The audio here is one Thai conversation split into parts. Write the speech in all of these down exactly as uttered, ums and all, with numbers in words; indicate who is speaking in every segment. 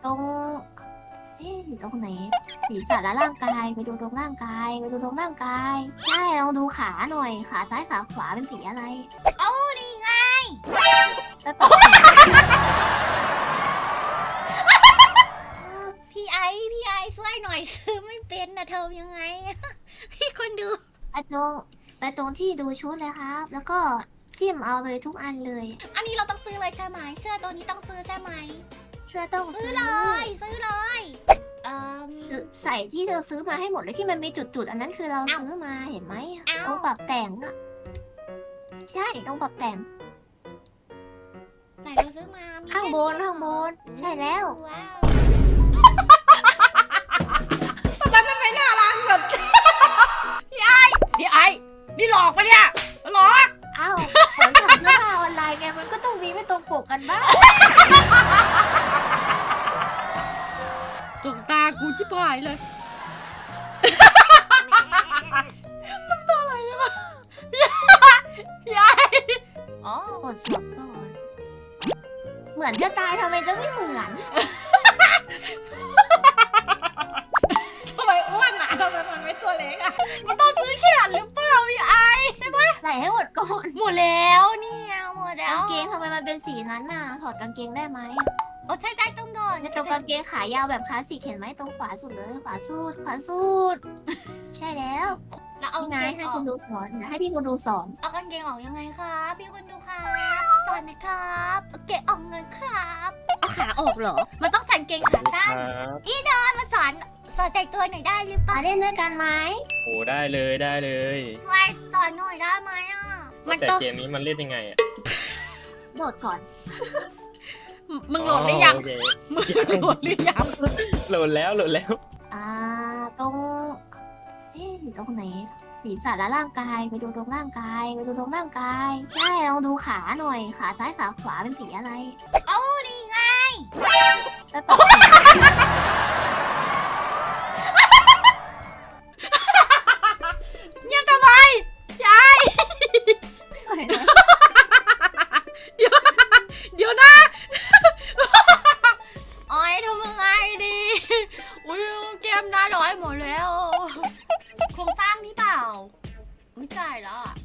Speaker 1: รงเอ๊ะอยู่ตรงไหนศีรษะและร่างกายไปดูตรงร่างกายไปดูตรงร่างกายใช่ลองดูขาหน่อยขาซ้ายขาขวาเป็นสีอะไร
Speaker 2: เอ้านี่ไง
Speaker 1: แล้วปรับ
Speaker 2: พี่ไอพี่ไอช่วยหน่อยซื้อไม่เป็นนะเธอยังไง พี่คนดู
Speaker 1: ไปตรงไปตรงที่ดูชุดเลยครับ แล้วก็จิ้มเอาเลยทุกอันเลย
Speaker 2: อันนี้เราต้องซื้อเลยใช่ไหมเสื้อตัวนี้ต้องซื้อใช่ไหม
Speaker 1: เสื้อต้อง
Speaker 2: ซื้
Speaker 1: ซื้
Speaker 2: อ
Speaker 1: อ
Speaker 2: เลยซื้อเลยเอ่อ
Speaker 1: ซื้อใส่ที่เราซื้อมาให้หมดเลยที่มันมีจุดๆอันนั้นคือเราซื้อมาเห็นไหม
Speaker 2: เอ้า
Speaker 1: ต้องปรับแต่งอะใช่ต้องปรับแต่ง
Speaker 2: ไหนเราซื้อมามี
Speaker 1: ข้างบน
Speaker 2: แค่
Speaker 1: ข้างบนใช่แล้ว
Speaker 2: ว้าว
Speaker 3: ทำไมมันไม่น่ารักแบบ พี่ไอพี่ไอนี่หลอกปะเนี่ยหลอก
Speaker 1: อ้าวขนสั่งเสื้อผ้าออนไลน์ไงมันก็ต้องมีไม่ตรงปกกันบ้าง
Speaker 3: จุกตากูชิบหายเลยพี่ไอ
Speaker 2: อ๋อก
Speaker 1: ดสวมก่อน เหมือนจะตายทำไมจะไม่เหมือน
Speaker 3: ทำไมอ้วนอ่ะทำไมมันไม่ตัวเล็กอ่ะมันต้องซื้อแขนหรือเปล่าพี่ไอ
Speaker 1: ใส่ให้หมดก่อน
Speaker 2: หมดแล้วเนี่ยหมดแล้
Speaker 1: กาว งเกงทำไมมันเป็นสีนั้นน่ะถอดกางเกงได้ไหม
Speaker 2: โอ้ใช่ได้ต้องโดน
Speaker 1: ในตรงกางเกงขายาวแบบคลาสสิกเห็นไหมตรงขวาสุดเลยขวาสุดขวาสุดใช่แล้ว
Speaker 2: แล้วเอา
Speaker 1: นี่ไง
Speaker 2: เกง
Speaker 1: ให้
Speaker 2: ออ
Speaker 1: คุ
Speaker 2: ก
Speaker 1: ณดูสอนเดี๋ยวให้พี่คุณดูสอน
Speaker 2: เอากางเกงออกยังไงครับพี่คนดูครับสอนหนะครับเอาเกงออกเงินครับเอาขาออกเหรอ มันต้องใส่กางเกงขาสั้น
Speaker 4: ครับ
Speaker 2: พี่ดอนมาสอนสอนแต่งตัวหน่อยได้หรือเป
Speaker 1: มา
Speaker 2: ล่า
Speaker 1: เล่นด้วยกันไหม
Speaker 4: โอ้ได้เลยได้เลย
Speaker 2: ช่วยสอนหน่อยได้ไหมอ่ะมัน
Speaker 4: แต่
Speaker 2: ต้อง
Speaker 4: เกมนี้มันเล่นยังไงอ่ะ
Speaker 1: โดดก่อน
Speaker 3: มึงโหลดหรือยัง
Speaker 4: โอเค
Speaker 3: มึงโหลดหรือยัง
Speaker 4: โหลดแล้วโหลดแล้ว
Speaker 1: อ่าตรงเอ๊ะอยู่ตรงไหนศีรษะและร่างกายไปดูตรงร่างกายไปดูตรงร่างกายใช่ลองดูขาหน่อยขาซ้ายขาขวาเป็นสีอะไร
Speaker 2: เอ้านี่ไง
Speaker 1: แล้วปรับ
Speaker 3: เงียบทำไมยาย
Speaker 1: แต่ง
Speaker 3: เดี๋ยวเดี๋ยวนะ
Speaker 2: โอ้ยทำยังไงดีอุ้ยเกมน่าร้อยหมดแล้วโครงสร้างนี่เปล่าไม่จ่ายแล้วอ่ะ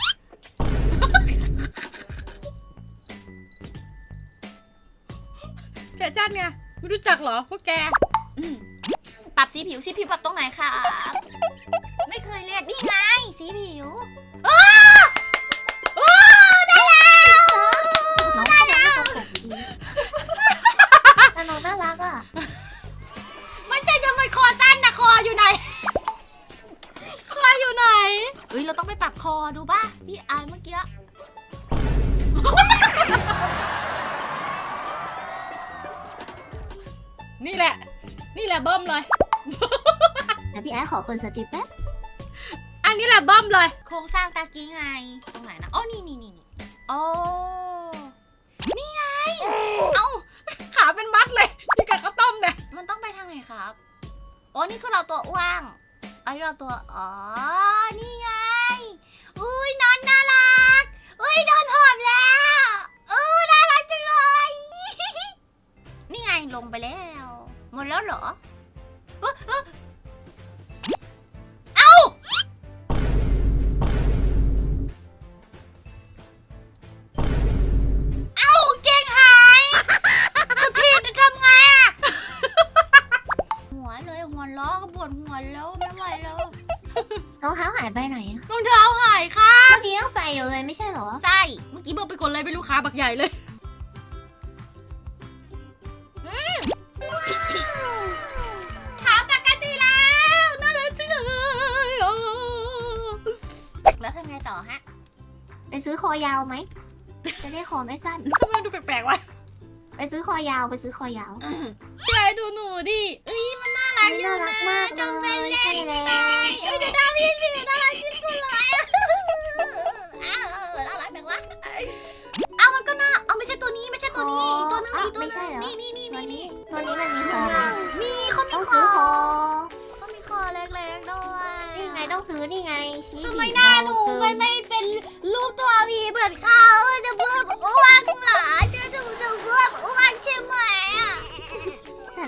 Speaker 3: แฟชั่นไงไม่รู้จักเหรอพวกแก
Speaker 2: อืมปรับสีผิวสีผิวปรับตรงไหนคะไม่เคยเรียนนี่ไงสีผิวอ้าวอ้าวได้แล้ว
Speaker 1: น้องก็ไม่ตรงปกดีแต่น้องน่ารักอ่ะ
Speaker 3: ไม่ใช่ทำไมคอสั้นนะคออยู่ไหน คออยู่ไหน
Speaker 2: เฮ้ยเราต้องไปปรับคอดูป่ะพี่อายเมื่อกี้
Speaker 3: นี่แหละ นี่แหละเบิ้มเลย
Speaker 1: เดี๋ยวพี่ไอ้ขอเปิดสติปแป๊บ
Speaker 3: อันนี้แหละเบิ้มเลย
Speaker 2: โครงสร้างตากี้ไงตรงไหนนะอ๋อนี่นี่นี่นี่โอ้นี่ไงเอ้า
Speaker 3: ขาเป็นมัดเลยที่กับข้าวต้มเนี่ย
Speaker 2: มันต้องไปทางไหนครับโอ้นี่คือเราตัวอ้วงอันนี้เราตัวอ๋อนี่ไงอุ้ยนอนน่ารักอุ้ยนอนหอมแล้วอู้น่ารักจังเลย นี่ไงลงไปแล้วหมดแล้วเหรอเอ้อเอ้อเอ้าเอ้าเก่งหายคุณพี่จะทำไงอะหัวเลยหัวล้อก็ปวดหัวแล้วไม่ไหวแล้ว
Speaker 1: รองเท้าหายไปไหนอะ
Speaker 3: รองเท้าหายค่ะ
Speaker 1: เมื่อกี้ยังใส่อยู่เลยไม่ใช่เหรอ
Speaker 2: ใช่
Speaker 3: เมื่อกี้เบิ้มไปกดอะไรไม่รู้ขาบักใหญ่เลย
Speaker 2: ขาปกติแล้วน่ารักจังเลยโอ้แล้วทำไงต่อฮะ
Speaker 1: ไปซื้อคอยาวไหมจะได้คอไม่สั้น
Speaker 3: ทำไมดูแปลกๆวะ
Speaker 1: ไปซื้อคอยาวไปซื้อคอยาว
Speaker 3: ยายดูหนูดิเอ้ยมันน่ารักอยู่
Speaker 1: น่ารั
Speaker 3: นะ
Speaker 1: กมากเลยใช่แล้ว
Speaker 2: เอ้ยเดี๋ยวหน้าพี่สิน่ารักที่สุดเลยอะอ้าวน่ารักจังวะอ้าวมันก็น่าเอาไม่ใช่ตัวนี้ไม่ใช่ตัวนี้อีกตัวนึงอีกตัวนึงนี่นี่นี่
Speaker 1: ตัว
Speaker 2: นี่
Speaker 1: นี้ตัวนี้มันมีคอไหม
Speaker 2: มีเขามี
Speaker 1: ต้อง
Speaker 2: ค
Speaker 1: ซื้
Speaker 2: อ
Speaker 1: อคอ
Speaker 2: เขามีคอเล็กๆด้วย
Speaker 1: นี่ไงต้องซื้อนี่ไงชี้
Speaker 2: ทำไม
Speaker 1: ผิด
Speaker 2: หน้าหนู
Speaker 1: เกิ
Speaker 2: มันไม่เป็นรูปตัวพีเหมือนเขาจะเพิ่มอ้วนเหรอจะถูกจะเพิ่มอ้วนใช่ไหมอ่ะ
Speaker 1: แต่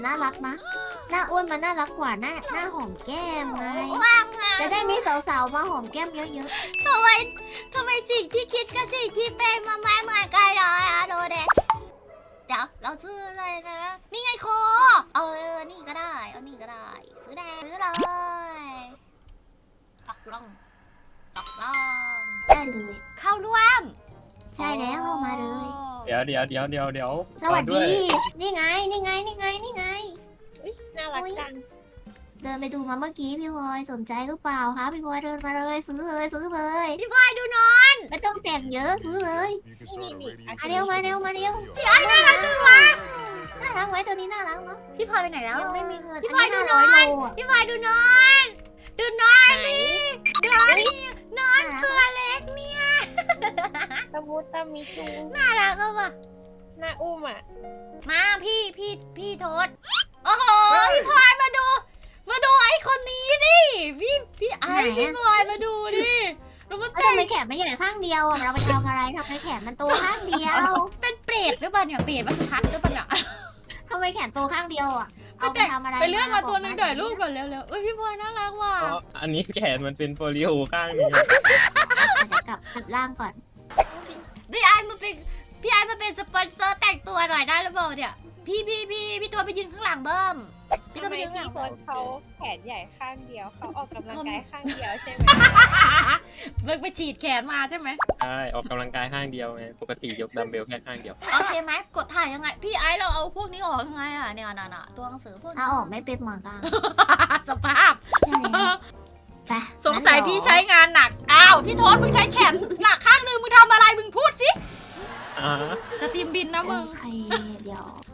Speaker 1: น่ารักนะ หน้าอ้วนมันน่ารักกว่าหน้าหน้าหอมแก้มไง
Speaker 2: ว่างอะ
Speaker 1: จะได้มีสาวๆมาหอมแก้มเยอะ
Speaker 2: ทำไมทำไมสิ่งที่คิดกับสิ่งที่เป็นมาไม่เหมือนกันเลยอะโดเดะเดี๋ยวเราซื้ออะไรนะ นี่ไงโคเออนี่ก็ได้เอานี่ก็ได้ ซื้อได้ซื้อเลยตกลงตกลง
Speaker 1: ๆ ได้เลย
Speaker 2: เข้าร่วม
Speaker 1: ใช่แล้วเข้ามาเลย
Speaker 4: เดี๋ยวเดี๋ยวเดี๋ยวเดี๋ยวเดี๋ยว
Speaker 1: สวัส
Speaker 4: รอ
Speaker 1: ดี
Speaker 4: ย
Speaker 1: นี่ไง นี่ไง นี่ไง นี่ไง
Speaker 3: น่ารักจัง
Speaker 1: เดินไปดูมาเมื่อกี้พี่พลอยสนใจหรือเปล่าคะพี่พลอยเดินมาเลยซื้อเลยซื้อเลย
Speaker 2: พี่พลอยดูหน่อย
Speaker 1: ไม่ต้องแต่งเยอะซื้อเลย
Speaker 3: นี่นี่
Speaker 1: มาเร็วมาเร็วมาเร็ว
Speaker 2: พี่ไอ้น่ารักจังวะ
Speaker 1: น่ารักไหมตัวนี้น่ารักเนาะ
Speaker 2: พี่พลอยไปไหนแล้ว
Speaker 1: ยังไม่มีเงิน
Speaker 2: พี่
Speaker 1: อัน
Speaker 2: พลอย
Speaker 1: นี้
Speaker 2: ดู
Speaker 1: ห้า
Speaker 2: หน่
Speaker 1: ร้
Speaker 2: อ
Speaker 1: อย ยโลอะ
Speaker 2: พี่พลอยดูหน่อยดูหน่อย
Speaker 3: ไหน
Speaker 2: ดูหน่อยนอนตัวเล็กเนี่ย
Speaker 3: ตะมูตะมิจู
Speaker 2: น่ารักอะว่ะ
Speaker 3: หน้าอุ้มอ่ะ
Speaker 2: มาพี่พี่พี่โทษโอ้โหพี่พลอยมาดู มาดูไอ้คนนี้ดิพี่พี่ไอ้พี่พลอยมาดูดิแล้วมัน
Speaker 1: แล้ว
Speaker 2: แต่ง
Speaker 1: ทำไมแขนมันใหญ่ข้างเดียวอะเราไปทำอะไรทำไมแขนมันโตข้างเดียว
Speaker 2: เป็นเปรตหรือเปล่าเนี่ยเปรตวัชพัฒน์หรือเปล่าเนี่ย
Speaker 1: ทำไมแขนโตข้างเดียวอ่ะ เอาไป
Speaker 2: แต่ง
Speaker 1: ทำอะไร
Speaker 2: ไปเลื่อนมาตัวหนึง
Speaker 1: บ
Speaker 2: เดี๋
Speaker 1: อย
Speaker 2: วรูปก่อนเร็วๆเอ้ยพี่พลอยน่ารักว่ะ
Speaker 4: เพราะอันนี้แขนมันเป็นโปลิโอข้างนี้
Speaker 1: อาจจะกลับกลับล่างก่อน
Speaker 2: พี่ไอ้มาเป็นพี่ไอ้มาเป็นสปอนเซอร์แต่งตัวหน่อยได้หรือเปล่าเนี่ยพี่พี่พี่พี่ตัวไปยืนข้างหลังเบิ้มพี่ตัว
Speaker 3: ทำ
Speaker 2: ไป
Speaker 3: ไม
Speaker 2: ยืนข้างห
Speaker 3: พี่
Speaker 2: ลัง
Speaker 3: โพสเขาแขนใหญ่ข้างเดียวเขาออกกำลังกายข้างเดียวใช่ไหม
Speaker 2: เบิกไปฉีดแขนมาใช่ไหม
Speaker 4: ใช่ออกกำลังกายข้างเดียวไงปกติยกดัมเบลแค่ข้างเดียว
Speaker 2: โอเคไหมกดถ่ายยังไง พี่ไอ้เราเอาพวกนี้ออกยังไงอ่ะเนี่ยน่ะน่ะตัวหนังสือพวกนี้
Speaker 1: เอาออกไม่เป็นเหมือนกัน
Speaker 2: สภาพ
Speaker 1: ใช่แล้วไป
Speaker 2: สงสัยพี่ใช้งานหนัก อ้าว พี่โทษมึงใช้แขนหนักข้างหนึงมึงทำอะไรมึงพูดสิ
Speaker 4: อ่า
Speaker 2: สตรีมบินนะมึง
Speaker 1: โอเคเดี๋ยว